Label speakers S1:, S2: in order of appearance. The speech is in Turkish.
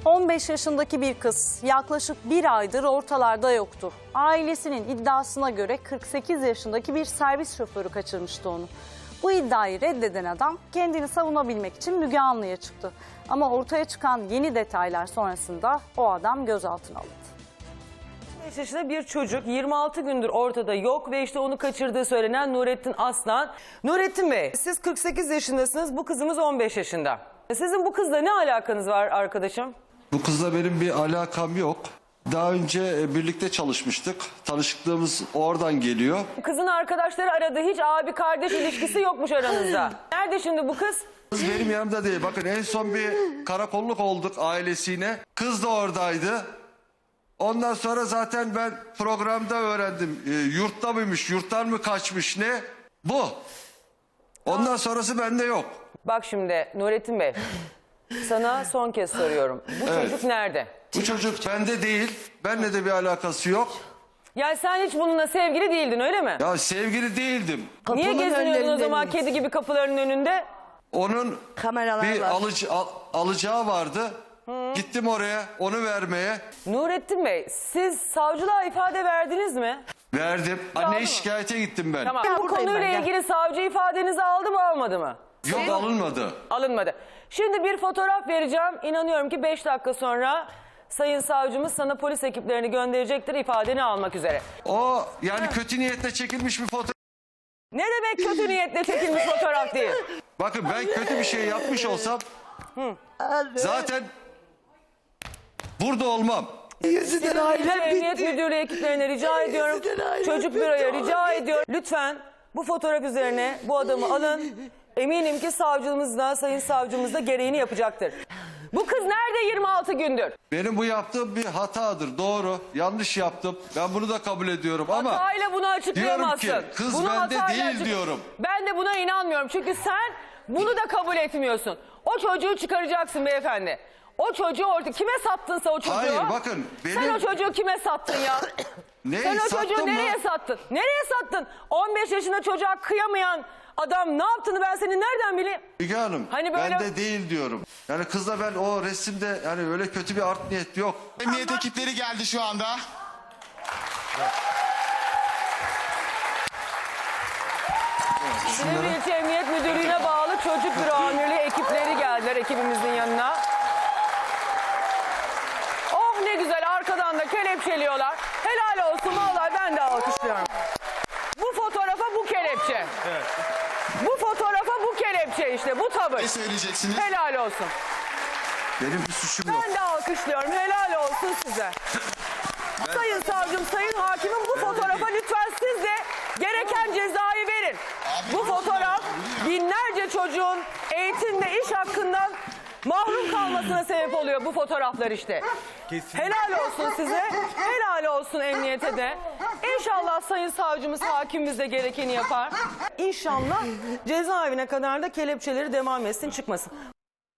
S1: 15 yaşındaki bir kız yaklaşık bir aydır ortalarda yoktu. Ailesinin iddiasına göre 48 yaşındaki bir servis şoförü kaçırmıştı onu. Bu iddiayı reddeden adam kendini savunabilmek için Müge Anlı'ya çıktı. Ama ortaya çıkan yeni detaylar sonrasında o adam gözaltına alındı.
S2: 5 yaşında bir çocuk 26 gündür ortada yok ve işte onu kaçırdığı söylenen Nurettin Aslan. Nurettin Bey, siz 48 yaşındasınız, bu kızımız 15 yaşında. Sizin bu kızla ne alakanız var arkadaşım?
S3: Bu kızla benim bir alakam yok. Daha önce birlikte çalışmıştık. Tanışıklığımız oradan geliyor.
S2: Kızın arkadaşları aradı, hiç abi kardeş ilişkisi yokmuş aranızda. Nerede şimdi bu kız?
S3: Kız benim yanımda değil. Bakın en son bir karakolluk olduk ailesiyle. Kız da oradaydı. Ondan sonra zaten ben programda öğrendim. Yurtta mıymış, yurttan mı kaçmış ne? Bu. Ondan sonrası bende yok.
S2: Bak şimdi Nurettin Bey, sana son kez soruyorum. Bu çocuk nerede?
S3: Bu çocuk bende değil. Benimle de bir alakası yok.
S2: Yani sen hiç bununla sevgili değildin, öyle mi?
S3: Ya sevgili değildim.
S2: Niye geziniyordun o zaman
S4: önlerinde
S2: kedi gibi kapıların önünde?
S3: Onun
S4: Kameralar
S3: bir
S4: var.
S3: alacağı vardı. Gittim oraya onu vermeye.
S2: Nurettin Bey, siz savcılığa ifade verdiniz mi?
S3: Verdim.
S2: Aldın
S3: Anneye
S2: mı?
S3: şikayete gittim ben.
S2: Tamam.
S4: Ya
S2: Bu
S4: buradayım
S2: konuyla
S4: ben, gel.
S2: ilgili savcı ifadenizi aldı mı almadı mı?
S3: Yok alınmadı.
S2: Alınmadı. Şimdi bir fotoğraf vereceğim. İnanıyorum ki 5 dakika sonra sayın savcımız sana polis ekiplerini gönderecektir ifadeni almak üzere.
S3: O yani kötü niyetle çekilmiş bir fotoğraf.
S2: Ne demek kötü niyetle çekilmiş fotoğraf değil?
S3: Bakın ben kötü bir şey yapmış olsam zaten burada olmam.
S4: Yüzünden ailem
S2: Emniyet
S4: bitti.
S2: Müdürlüğü ekiplerine rica ediyorum.
S4: Yüzünden ailem
S2: Çocuk
S4: bitti.
S2: büroya rica ediyorum. Lütfen bu fotoğraf üzerine bu adamı alın. Eminim ki savcımız da sayın savcımız da gereğini yapacaktır. Bu kız nerede 26 gündür?
S3: Benim bu yaptığım bir hatadır. Doğru. Yanlış yaptım. Ben bunu da kabul ediyorum ama
S2: Hatayla bunu açıklayamazsın.
S3: diyorum ki, kız bende
S2: hatayla
S3: değil diyorum.
S2: Ben de buna inanmıyorum. Çünkü sen bunu da kabul etmiyorsun. O çocuğu çıkaracaksın beyefendi. O çocuğu orada kime sattınsa o çocuğu.
S3: hayır bakın
S2: Sen
S3: benim
S2: o çocuğu kime sattın ya?
S3: neyi
S2: Sen o çocuğu
S3: sattım
S2: nereye
S3: mı?
S2: sattın? Nereye sattın? 15 yaşında çocuğa kıyamayan adam ne yaptığını ben senin nereden bileyim?
S3: Müge Hanım
S2: Hani böyle-
S3: bende değil diyorum. Yani kızla ben o resimde yani öyle kötü bir art niyet yok.
S5: Emniyet ekipleri geldi şu anda.
S2: Silivri İlçe Emniyet Müdürlüğü'ne bağlı Çocuk Büro Amirliği ekipleri geldiler ekibimizin yanına. Oh ne güzel, arkadan da kelepçeliyorlar. Helal olsun, vallahi ben de alkışlıyorum. Bu fotoğrafa bu kelepçe. Bu fotoğrafa bu kelepçe işte, bu tavır.
S5: Ne söyleyeceksiniz?
S2: Helal olsun.
S3: Benim bir suçum yok.
S2: Ben de alkışlıyorum. Helal olsun size. Sayın savcım, sayın hakimim, bu fotoğrafa lütfen siz de gereken cezayı verin. Bu fotoğraf binlerce çocuğun eğitim ve iş hakkından mahrum kalmasına sebep oluyor bu fotoğraflar işte. Helal olsun size. Helal olsun emniyete de. İnşallah sayın savcımız, hakimimiz de gerekeni yapar. İnşallah cezaevine kadar da kelepçeleri devam etsin, çıkmasın.